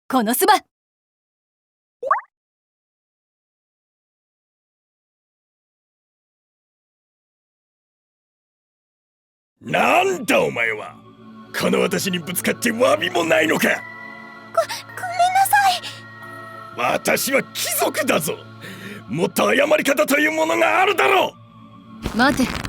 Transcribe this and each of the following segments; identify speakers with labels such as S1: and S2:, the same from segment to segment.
S1: このスバ。
S2: なんだお前は。この私にぶつかって詫びもないのか。
S3: ごめんなさい。
S2: 私は貴族だぞ。もっと謝り方というものがあるだろ
S1: う。待て。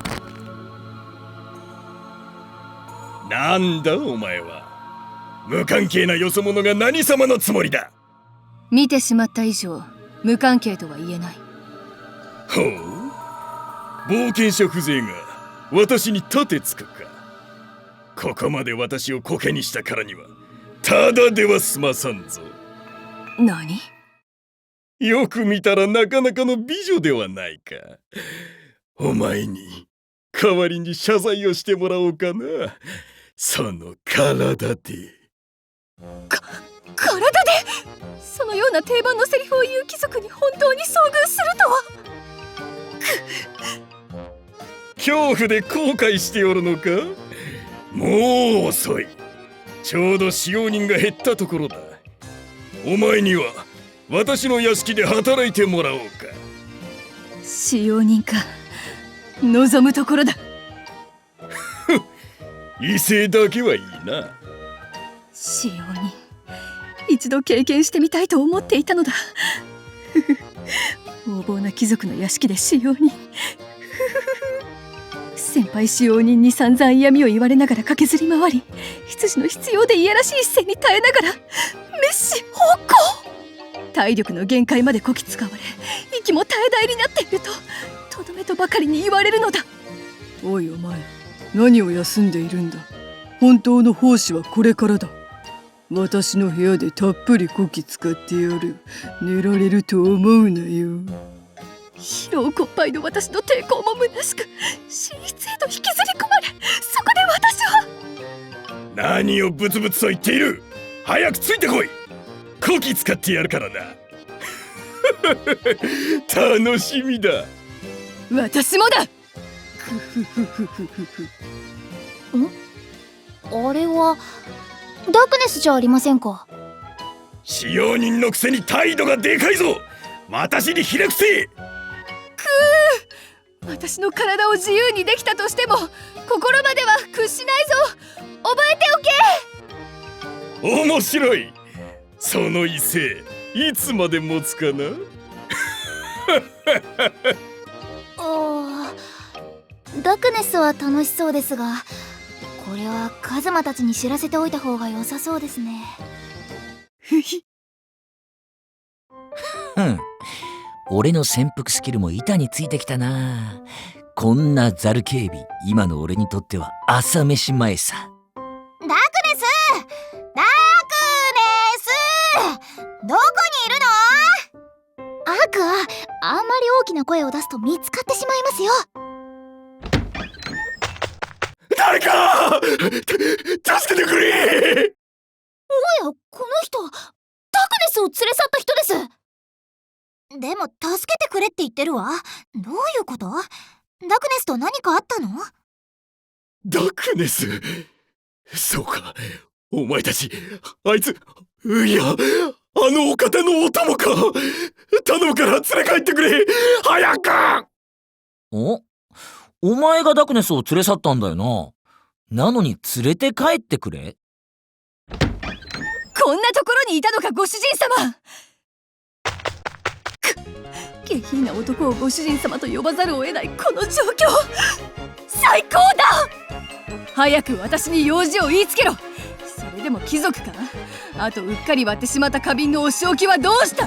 S2: なんだお前は。無関係なよそ者が何様のつもりだ。
S1: 見てしまった以上無関係とは言えない。
S2: ほう、冒険者風情が私に立てつくか。ここまで私をコケにしたからにはただでは済まさんぞ。
S1: 何？
S2: よく見たらなかなかの美女ではないか。お前に代わりに謝罪をしてもらおうかな。その体で。
S1: 体で？そのような定番のセリフを言う貴族に本当に遭遇するとは。
S2: 恐怖で後悔しておるのか。もう遅い。ちょうど使用人が減ったところだ。お前には私の屋敷で働いてもらおうか。
S1: 使用人か。望むところだ。
S2: 威勢だけはいいな。
S1: 使用人、一度経験してみたいと思っていたのだ。横暴な貴族の屋敷で使用人。先輩使用人に散々嫌味を言われながら駆けずり回り、羊の必要でいやらしい視線に耐えながら滅私奉公。体力の限界までこき使われ、息も絶え絶えになっているととどめとばかりに言われるのだ。
S4: おいお前、何を休んでいるんだ。本当の奉仕はこれからだ。私の部屋でたっぷりこき使ってやる。寝られると思うなよ。
S1: 疲労困憊の私の抵抗も虚しく、寝室へと引きずり込まれ、そこで私は。
S2: 何をブツブツと言っている。早くついてこい。こき使ってやるからな。楽しみだ。
S1: 私もだ。
S3: あれはダークネスじゃありませんか。
S2: 使用人のくせに態度がでかいぞ。私にひれ伏せ。
S1: 私の体を自由にできたとしても心までは屈しないぞ。覚えておけ。
S2: 面白い。その威勢いつまで持つかな。
S3: ダークネスは楽しそうですが、これはカズマたちに知らせておいた方が良さそうですね。
S5: 俺の潜伏スキルも板についてきたな。こんなザル警備、今の俺にとっては朝飯前さ。
S3: ダークネスどこにいるの？アークはあんまり大きな声を出すと見つかってしまいますよ。
S2: 誰か助けてくれ。
S3: おや、この人ダークネスを連れ去った人です。でも助けてくれって言ってるわ。どういうこと？ダークネスと何かあったの？
S2: ダークネス。そうか、お前たち、あいつ、いや、あのお方のお供か。頼むから連れ帰ってくれ。早く。
S5: お前がダークネスを連れ去ったんだよな。なのに連れて帰ってくれ。
S1: こんなところにいたのか、ご主人様。下品な男をご主人様と呼ばざるを得ないこの状況、最高だ。早く私に用事を言いつけろ。それでも貴族か。あとうっかり割ってしまった花瓶のお仕置きはどうした。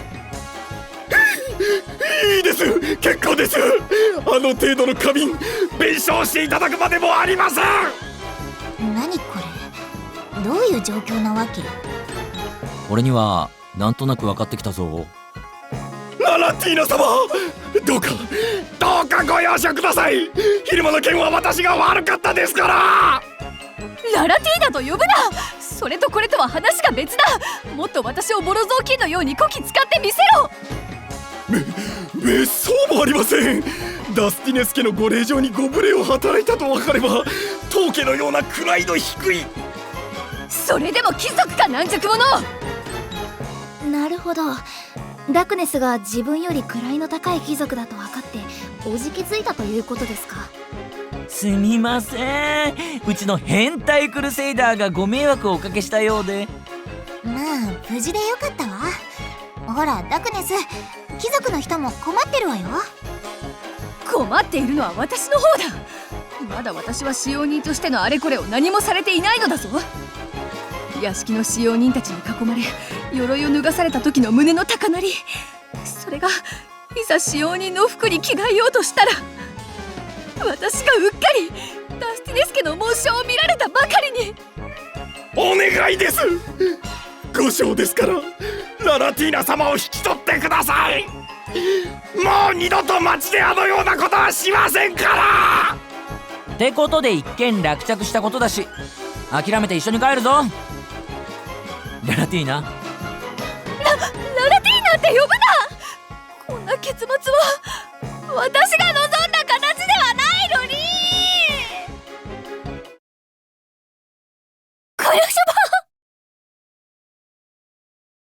S2: いいです、結構です。あの程度の花瓶弁償していただくまでもありません。
S3: 何これ、どういう状況なわけ？
S5: 俺にはなんとなく分かってきたぞ。
S2: ララティーナ様、どうかご容赦ください。昼間の件は私が悪かったですから。
S1: ララティーナと呼ぶな。それとこれとは話が別だ。もっと私をボロ雑巾のようにこき使ってみせろ。
S2: めっそうもありません。ダスティネス家のご令嬢にご無礼を働いたと分かれば、当家のような位の低い。
S1: それでも貴族か軟弱者。
S3: なるほど。ダクネスが自分より位の高い貴族だと分かっておじけづいたということですか。
S5: すみません、うちの変態クルセイダーがご迷惑をおかけしたようで。
S3: まあ無事でよかったわ。ほらダクネス、貴族の人も困ってるわよ。
S1: 困っているのは私の方だ。まだ私は使用人としてのあれこれを何もされていないのだぞ。屋敷の使用人たちに囲まれ鎧を脱がされた時の胸の高鳴り、それがいざ使用人の服に着替えようとしたら、私がうっかりダスティネス家の紋章を見られたばかりに。
S2: お願いです。5章ですからララティーナ様を引き取ってください。もう二度と町であのようなことはしませんから。
S5: ってことで一件落着したことだし、諦めて一緒に帰るぞ。ララティーナ。
S1: ララティーナって呼ぶな。こんな結末は私が望んだ形ではないのに。この少